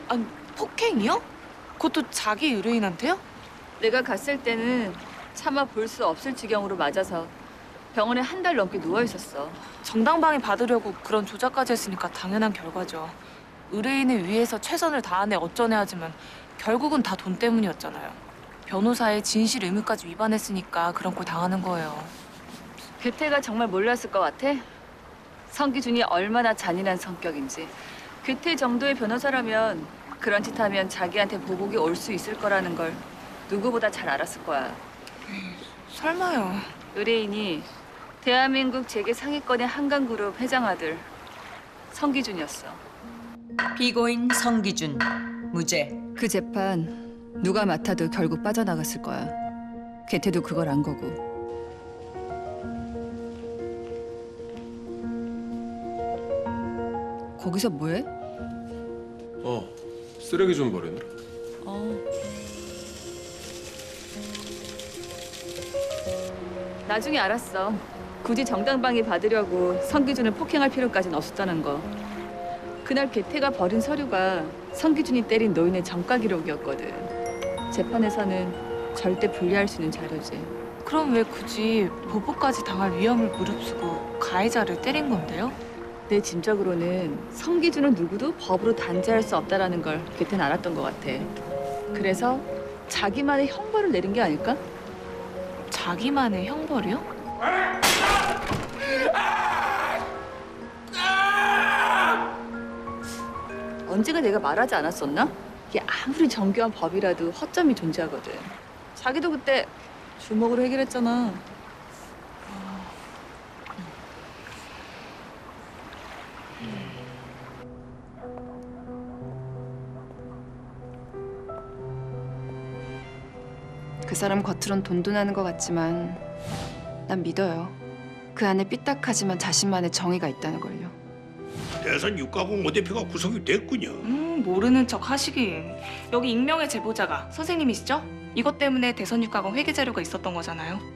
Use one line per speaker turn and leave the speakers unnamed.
아니, 폭행이요? 그것도 자기 의뢰인한테요?
내가 갔을 때는 차마 볼 수 없을 지경으로 맞아서 병원에 한 달 넘게 누워 있었어.
정당방위 받으려고 그런 조작까지 했으니까 당연한 결과죠. 의뢰인을 위해서 최선을 다하네 어쩌네 하지만 결국은 다 돈 때문이었잖아요. 변호사의 진실 의무까지 위반했으니까 그런 꼴 당하는 거예요.
괴태가 정말 몰랐을 것 같아? 성기준이 얼마나 잔인한 성격인지. 괴태 정도의 변호사라면 그런 짓 하면 자기한테 보복이 올 수 있을 거라는 걸 누구보다 잘 알았을 거야.
설마요.
의뢰인이 대한민국 재계 상위권의 한강그룹 회장 아들 성기준이었어.
피고인 성기준, 무죄.
그 재판 누가 맡아도 결국 빠져나갔을 거야. 괴태도 그걸 안 거고. 거기서 뭐해?
쓰레기 좀 버리네.
나중에 알았어. 굳이 정당방위 받으려고 성기준을 폭행할 필요까지는 없었다는 거. 그날 괴태가 버린 서류가 성기준이 때린 노인의 전과 기록이었거든. 재판에서는 절대 불리할 수 있는 자료지.
그럼 왜 굳이 보복까지 당할 위험을 무릅쓰고 가해자를 때린 건데요?
내 짐작으로는 성기준은 누구도 법으로 단죄할 수 없다라는 걸 괴태는 알았던 것 같아. 그래서 자기만의 형벌을 내린 게 아닐까?
자기만의 형벌이요?
언제가 내가 말하지 않았었나? 이게 아무리 정교한 법이라도 허점이 존재하거든. 자기도 그때 주먹으로 해결했잖아.
그 사람 겉으론 돈돈하는 것 같지만 난 믿어요. 그 안에 삐딱하지만 자신만의 정의가 있다는 걸요.
대선 육가공 오 대표가 구속이 됐군요.
모르는 척 하시긴. 여기 익명의 제보자가 선생님이시죠? 이것 때문에 대선 육가공 회계 자료가 있었던 거잖아요.